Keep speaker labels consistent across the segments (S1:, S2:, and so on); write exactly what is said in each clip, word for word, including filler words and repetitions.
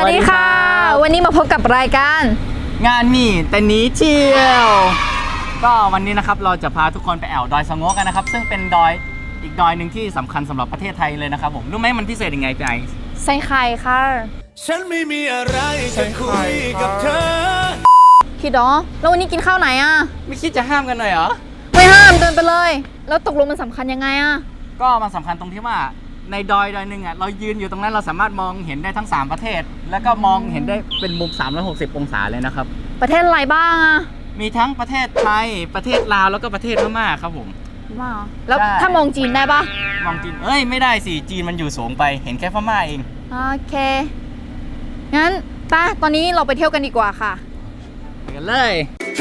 S1: วัสดีค่ะวันนี้มาพบกับรายการ
S2: งานมีแต่นี้เที่ยวก็วันนี้นะครับเราจะพาทุกคนไปแอวดอยสะโงกันนะครับซึ่งเป็นดอยอีกดอยหนึ่งที่สำคัญสำหรับประเทศไทยเลยนะครับผมรู้ไหมมันพิเศษยังไงพี่ไอ
S1: ใส่ไข่ค่ะ
S3: ฉันไม่มีอะไรจะคุยกับเธอ
S1: พี่ดอแล้ววันนี้กินข้าวไหนอ่ะ
S2: ไม่คิดจะห้ามกันหน่อยเหรอ
S1: ไม่ห้ามเดินไปเลยแล้วตกลงมันสำคัญยังไงอ่ะ
S2: ก็มันสำคัญตรงที่ว่าในดอยดอยหนึ่งอ่ะเรายืนอยู่ตรงนั้นเราสามารถมองเห็นได้ทั้งสามประเทศแล้วก็มองเห็นได้เป็นมุมสามร้อยหกสิบองศาเลยนะครับ
S1: ประเทศอะไรบ้างอ่ะ
S2: มีทั้งประเทศไทยประเทศลาวแล้วก็ประเทศพม่าครับผม
S1: ว้าวแล้วถ้ามองจีนได้ปะ
S2: มองจีนเอ้ยไม่ได้สิจีนมันอยู่สูงไปเห็นแค่พม่าเอง
S1: โอเคงั้นไปตอนนี้เราไปเที่ยวกันดีกว่าค่ะ
S2: ไปกันเลย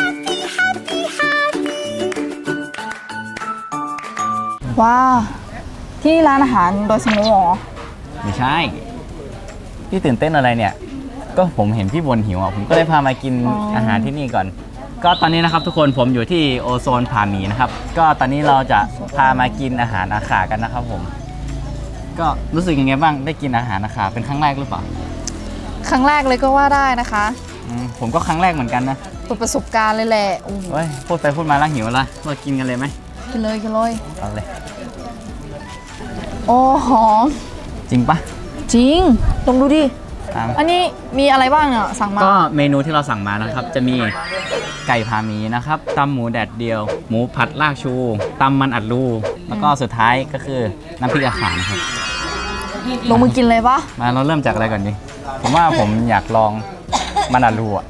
S1: ว้าวที่ร้านอาหารโดยสโงหรอ
S2: ไม่ใช่พี่ตื่นเต้นอะไรเนี่ยก็ผมเห็นพี่บนหิวอ่ะผมก็เลยพามากิน อ, อาหารที่นี่ก่อนก็ตอนนี้นะครับทุกคนผมอยู่ที่โอโซนผาหมีนะครับก็ตอนนี้เราจะพามากินอาหารอาขากันนะครับผมก็รู้สึกยังไงบ้างได้กินอาหารอาขาเป็นครั้งแรกหรือเปล่า
S1: ครั้งแรกเลยก็ว่าได้นะคะ
S2: ผมก็ครั้งแรกเหมือนกันนะ
S1: เป็นประสบการณ์เลยแหละ
S2: โอ้ยพูดไปพูดมาแล้วหิวละเรากินกันเลยไหม
S1: กินเลยกินเลย
S2: เอาเลย
S1: โอ้หอม
S2: จริงปะ
S1: จริงลองดูดิอันนี้มีอะไรบ้างเนี่ยสั่งมา
S2: ก็เมนูที่เราสั่งมานะครับจะมีไก่พาหมีนะครับตำหมูแดดเดียวหมูผัดลากชูตำมันอัดรูแล้วก็สุดท้ายก็คือน้ำพริกอาขานครับ
S1: ลงมือกินเลยปะ
S2: มาเราเริ่มจากอะไรก่อนดีผมว่าผมอยากลองมันอัดรูอ่ะ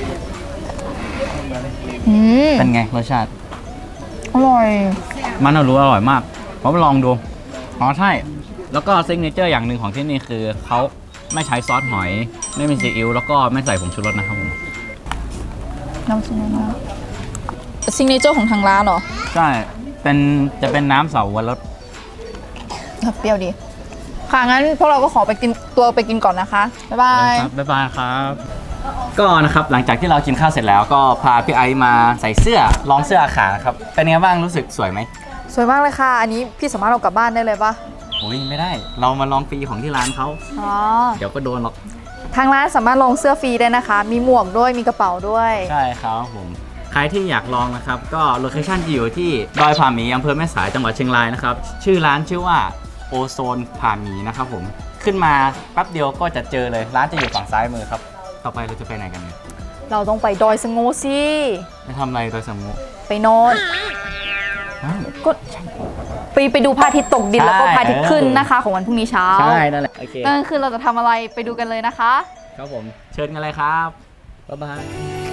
S2: เป็นไงรสชาติ
S1: อร่อย
S2: มันอัดรูอร่อยมากผมลองดูอ๋อใช่แล้วก็ซิกเนเจอร์อย่างหนึ่งของที่นี่คือเขาไม่ใช้ซอสหอยไม่มีซีอิ๊วแล้วก็ไม่ใส่ผงชูรสนะครับผม
S1: น้ำซุปนะซิกเนเจอร์ของทางร้านเหรอ
S2: ใช่เป็นจะเป็นน้ำเสาวรส
S1: เปรี้ยวดีค่ะงั้นพวกเราก็ขอไปกินตัวไปกินก่อนนะคะบ๊ายบาย
S2: บ๊ายบายครับก็นะครับหลังจากที่เรากินข้าวเสร็จแล้วก็พาพี่ไอซ์มาใส่เสื้อลองเสื้ออาขาครับเป็นไงบ้างรู้สึกสวยไหม
S1: สวยมากเลยค่ะอันนี้พี่สามารถเอากลับบ้านได้เลยปะ
S2: โอ้ยไม่ได้เรามาลองฟรีของที่ร้านเขาอ๋อเดี๋ยวก็โดนหรอก
S1: ทางร้านสามารถลองเสื้อฟรีได้นะคะมีหมวกด้วยมีกระเป๋าด้วย
S2: ใช่ครับผมใครที่อยากลองนะครับก็โลเคชั่นจะอยู่ที่ดอยผาหมีอำเภอแม่สายจังหวัดเชียงรายนะครับชื่อร้านชื่อว่าโอโซนผาหมีนะครับผมขึ้นมาแป๊บเดียวก็จะเจอเลยร้านจะอยู่ฝั่งซ้ายมือครับต่อไปเราจะไปไหนกันเนี่ย
S1: เราต้องไปดอยสะโงสิ
S2: ไปทำอะไรดอยสะโง
S1: ไปนอนก็ไปไปดูพระอาทิตย์ตกดินแล้วก็พระอาทิตย์ขึ้นนะคะของวันพรุ่งนี้เช้า
S2: ใช่นั่นแหละโอเค
S1: ก็คือเราจะทำอะไรไปดูกันเลยนะคะ
S2: ครับผมเชิญกันเลยครับบ๊ายบาย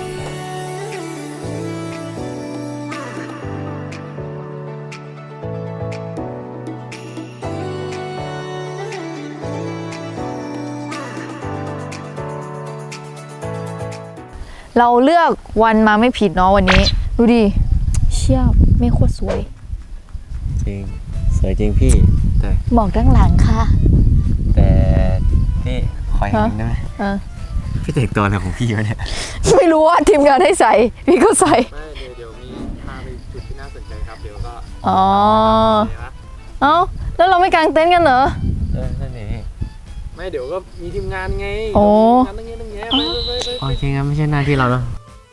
S1: เราเลือกวันมาไม่ผิดเนาะวันนี้ดูดิเชี่ยไม่โคตรสวย
S2: จริงสวยจริงพี่แต่
S1: หมอกด้านหลังค่ะ
S2: แต่พี่คอยเห็นได้ไหมพี่แต่งตัวอะไรของพี่วะเนี่ย
S1: ไม่รู้ว่าทีมงานให้ใส่พี่ก็ใส่
S3: ไม่เดี๋ยวเดี๋ยวมีพาไปจุดที่น่าสนใจครับเดี๋ยวก็
S1: อ๋อเอ้าแล้วเราไม่กางเต็นท์กันเหรอ
S2: เออนั่นเอง
S3: ไม่เดี๋ยวก็มีทีมงานไง
S1: โอ้
S3: งานตั้งเยอะตั้งแยะไปไปไป
S2: โอเคงั้นไม่ใช่หน้าที่เราแล้ว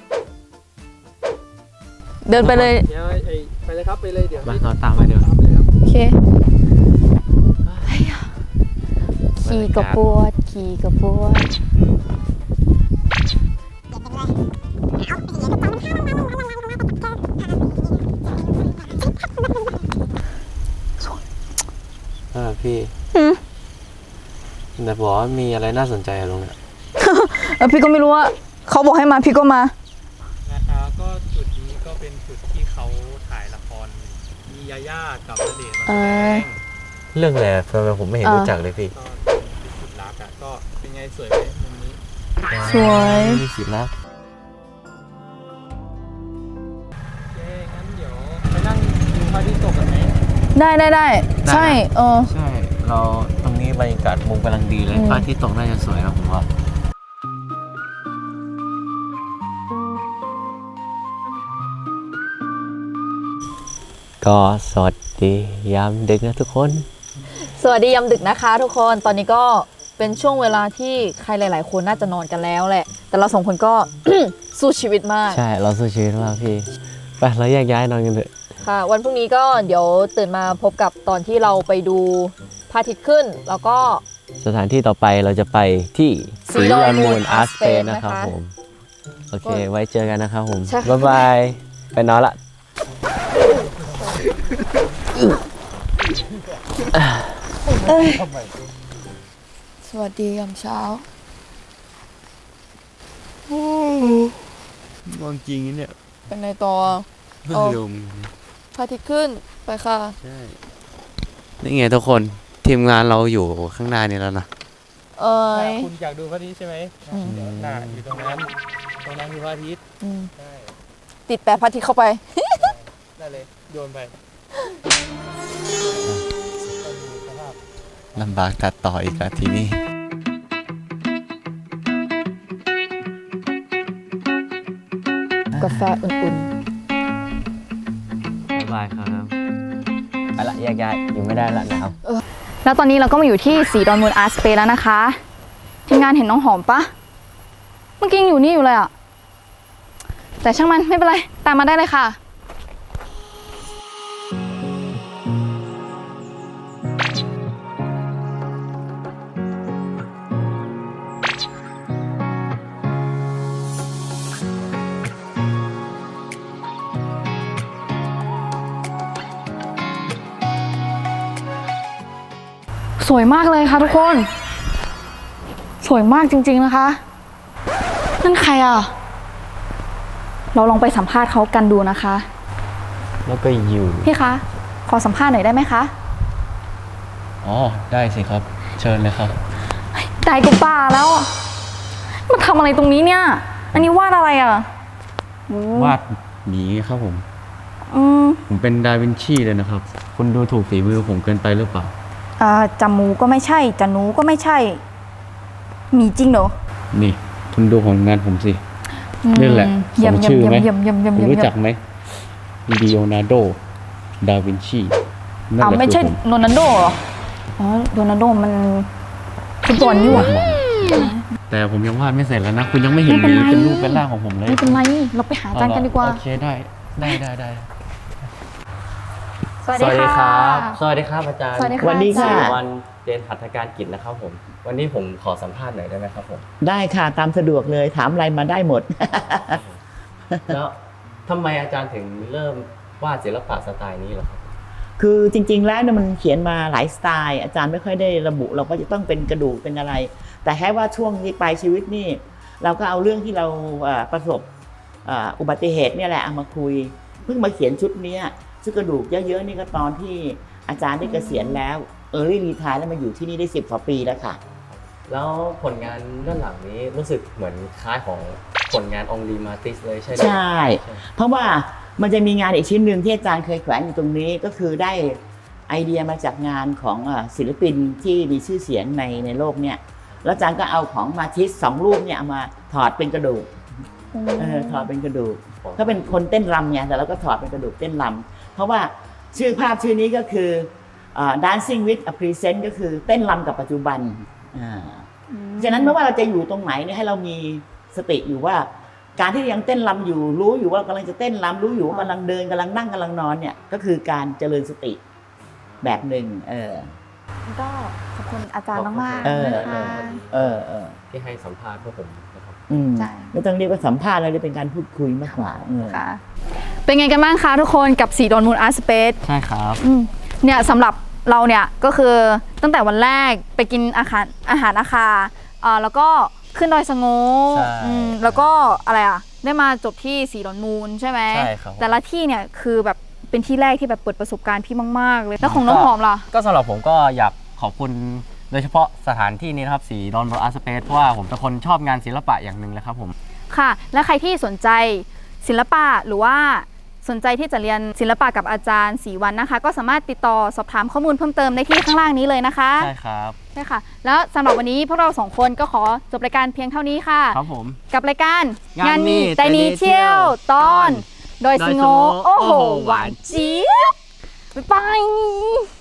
S1: เดินไปเลย
S3: เดี๋ยวไปเลยครับไปเลยเดี๋ยว
S2: เราตามไปเดี๋ยว
S1: โอเคขี่กระปวดขี่กระปวด
S3: เออพี่แต่บอกว่ามีอะไรน่าสนใจตรงเนี้ย
S1: เออพี่ก็ไม่รู้ว่าเขาบอกให้มาพี่ก็มา
S3: นะคะก็จุดนี้ก็เป็นจุดที่เขาถ่ายละครมียาย่ากับณเดชน์มาแสดง
S2: เรื่องอะไรทำไมผมไม่เห็นรู้จักเลยพี่
S3: จุดรักอ่ะก็เป็นไงสวยไหมมุมนี้
S1: สวย
S2: มีสิรัก
S3: โอเคงั้นเดี๋ยวไปนั่งดูพระอาทิตย์ตกกันไหม
S1: ได้ได้ได้ใช่เออ
S2: ใช่เราตรงนี้บรรยากาศมุมกำลังดีเลยพระอาทิตย์ตกน่าจะสวยนะผมว่าก็สวัสดียามดึกนะทุกคน
S1: สวัสดียามดึกนะคะทุกคนตอนนี้ก็เเป็นช่วงเวลาที่ใครหลาย ๆ คนน่าจะนอนกันแล้วแหละ แต่เราสองคนก็ สู้ชีวิตมาก
S4: ใช่เราสู้ชีวิตมากพี่ไปเราแยกย้ายนอนกันเถอะ
S1: ค่ะ วันพรุ่งนี้ก็เดี๋ยวตื่นมาพบกับตอนที่เราไปดูพระอาทิตย์ขึ้น แล้วก็
S4: สถานที่ต่อไปเราจะไปที่
S1: สี
S4: สี
S1: ด
S4: ด
S1: อ
S4: อน น
S1: มู
S4: มู
S1: ล
S4: ล
S1: อา
S4: อา
S1: ร์
S4: ร์
S1: ต
S4: ส
S1: ส
S4: เป
S1: เป
S4: น
S1: น
S4: นะครับ
S1: นะคะ
S4: ผมโอเค
S1: ก็
S4: ไว้เจอกันนะครับผม
S1: ใช่ค่ะ
S4: บ๊ายบายไปนอนละ
S1: สวัสดียามเช้า
S4: มองจริงเนี่ย
S1: เป็นในต่อ
S4: ไม่
S1: เอา
S4: ลืม
S1: พระอาทิตย์ขึ้นไปค่ะ
S4: ใช่นี่ไงทุกคนทีมงานเราอยู่ข้างหน้านี่แล้วนะ
S1: เอ้ย
S3: คุณอยากดูพระอาทิตย์ใช่ไหม
S1: อืม
S3: เดี๋ยวหน้าอยู่ตรงนั้น ตรงนั้นคือพระอาทิตย์
S1: อืม
S3: ใช่
S1: ติดแปะพระอาทิตย์เข้าไป
S3: ได้เลย โยนไปต้องดูสภาพ
S4: ลำบากตัดต่ออีกแล้วทีนี้
S1: กาแฟอุ่น
S4: บ๊ายบายครับไปละแยกย้ายอยู่ไม่ได้ละหนาว
S1: ๆ แล้วตอนนี้เราก็มาอยู่ที่สีดอนมูลอาร์ตสเปซแล้วนะคะทีมงานเห็นน้องหอมปะเมื่อกี้ยังอยู่นี่อยู่เลยอะแต่ช่างมันไม่เป็นไร ตามมาได้เลยค่ะ สวยมากเลยค่ะทุกคน สวยมากจริงๆนะคะ นั่นใครอ่ะ เราลองไปสัมภาษณ์เขากันดูนะคะ
S4: แล้วก็อยู่
S1: พี่คะ ขอสัมภาษณ์หน่อยได้ไหมคะ
S4: อ๋อได้สิครับ เชิญเลยครับ
S1: ได้กูป่าแล้วอะมาทำอะไรตรงนี้เนี่ย อันนี้วาดอะไรอ่ะอืม
S4: วาดหมีครับผม
S1: อืม
S4: ผมเป็นดาวินชีเลยนะครับ คุณดูถูกฝีมือผมเกินไปหรือเปล่า
S1: อ่าจมูกก็ไม่ใช่จนูก็ไม่ใช่ มีจริงเหรอ
S4: นี่คุณดูผลงานผมสิ
S1: อืม
S4: นี่แหละส
S1: เยี่ยม
S4: ม
S1: เยี่ย
S4: ชื่
S1: ม
S4: อไหม
S1: เยี่ยมเยี่ยมเยี่ยม
S4: คุณ
S1: เยี่ยม
S4: รู้จักไหมลีโอนาร์โด ดาวินชีนั่น
S1: อ้าว
S4: แหละ
S1: ไม่ใช่
S4: คือผม
S1: โรนัลโดเหรอ อ๋อ โรนัลโดมันฟุตบอลนี่หว่า
S4: แต่ผมยังวาดไม่เสร็จแล้วนะ คุณยังไม่เห็น
S1: ไม่เป็นไร
S4: เป็นรูปเป็นร่างของผมเลย
S1: ไม่เป็นไร เราไปหาอาจารย์กันดีกว่า
S4: โอเคได้ได้ได้ได้
S1: สวัสดีค่ะ
S4: สวัสดีครับอาจารย์
S1: สวัสดีค่ะ
S5: สวัสดีค่ะ
S1: อาจารย์
S4: วันเรียนหัตถการกิจนะครับผม วันนี้ผมขอสัมภาษณ์หน่อยได้ไหมครับผม
S5: ได้ค่ะตามสะดวกเลยถามอะไรมาได้หมด
S4: แล้วทำไมอาจารย์ถึงเริ่มวาดศิลปะสไตล์นี้เหรอครับ
S5: คือจริง ๆ แล้วเนี่ยมันเขียนมาหลายสไตล์ อาจารย์ไม่ค่อยได้ระบุเราก็จะต้องเป็นกระดูกเป็นอะไร แต่แค่ว่าช่วงที่ปลายชีวิตนี่ เราก็เอาเรื่องที่เราเอ่อประสบเอ่ออุบัติเหตุเนี่ยแหละเอามาคุย เพิ่งมาเขียนชุดเนี้ยชุดกระดูกเยอะๆนี่ก็ตอนที่อาจารย์ได้เกษียณแล้วเออรีรีทายแล้วมาอยู่ที่นี่ได้สิบกว่าปีแล้วค่ะ
S4: แล้วผลงานด้านหลังนี้รู้สึกเหมือนคล้ายของผลงานองลีมาติสเลยใช่ไหม
S5: ใช่ เพราะว่ามันจะมีงานอีกชิ้นหนึ่งที่อาจารย์เคยแขวนอยู่ตรงนี้ก็คือได้ไอเดียมาจากงานของเอ่อศิลปินที่มีชื่อเสียงในในโลกเนี่ยแล้วอาจารย์ก็เอาของมาทิสสองรูปเนี่ยเอามาถอดเป็นกระดูกเออถอดเป็นกระดูกเขาเป็นคนเต้นรำเนี่ยแต่เราก็ถอดเป็นกระดูกเต้นรำเพราะว่าชื่อภาพชื่อนี้ก็คือเอ่อ dancing with a present ก็คือเต้นรำกับปัจจุบันอ่า ฉะนั้นไม่ว่าเราจะอยู่ตรงไหนเนี่ยให้เรามีสติอยู่ว่า การที่ยังเต้นรำอยู่รู้อยู่ว่าเรากำลังจะเต้นรำรู้อยู่ว่ากำลังเดินกำลังนั่งกำลังนอนเนี่ยก็คือการเจริญสติแบบหนึ่งเออ
S1: ก็ขอบคุณอาจารย์มาก
S5: เออ
S1: ๆนะคะ
S5: เออเออ
S4: ที่ให้สัมภาษณ์พวกผมนะครับ
S5: อืม
S1: ใช่
S5: ไม่ต้องเรียกว่าสัมภาษณ์เลยเป็นการพูดคุยมากกว่าเออ
S1: ค่ะ เป็นไงกันบ้างคะทุกคนกับสีดอนมูลอาร์ตสเปซ
S4: ใช่ครับ
S1: เนี่ยสำหรับเราเนี่ยก็คือตั้งแต่วันแรกไปกินอาหารอาหารอาคาอ่าแล้วก็ขึ้นดอยสะโง
S4: ใช่
S1: อืมแล้วก็อะไรอ่ะได้มาจบที่สีดอนมูลใช่ไหม
S4: ใช่ครับ
S1: แต่ละที่เนี่ยคือแบบเป็นที่แรกที่แบบเปิดประสบการณ์พี่มากๆเลยแล้วของน้องหอมล่ะ
S2: ก็สำหรับผมก็อยากขอบคุณโดยเฉพาะสถานที่นี้นะครับสีดอนบออาร์ตสเปซเพราะว่าผมเป็นคนชอบงานศิลปะอย่างหนึ่งเลยครับผม
S1: ค่ะ และใครที่สนใจศิลปะหรือว่าสนใจที่จะเรียนศิลปะกับอาจารย์ศรีวรรณนะคะ ก็สามารถติดต่อสอบถามข้อมูลเพิ่มเติมได้ที่ข้างล่างนี้เลยนะคะ
S2: ใช่ครับ
S1: ใช่ค่ะ แล้วสำหรับวันนี้พวกเราสองคนก็ขอจบรายการเพียงเท่านี้ค่ะ
S2: ครับผม
S1: กับรายการ
S2: งานมี
S1: แต่หนีเที่ยวตอน โดยสโง
S2: โดยสโง
S1: โอ้โห
S2: โอ้โห
S1: หวานเจี๊ยบบ๊ายบาย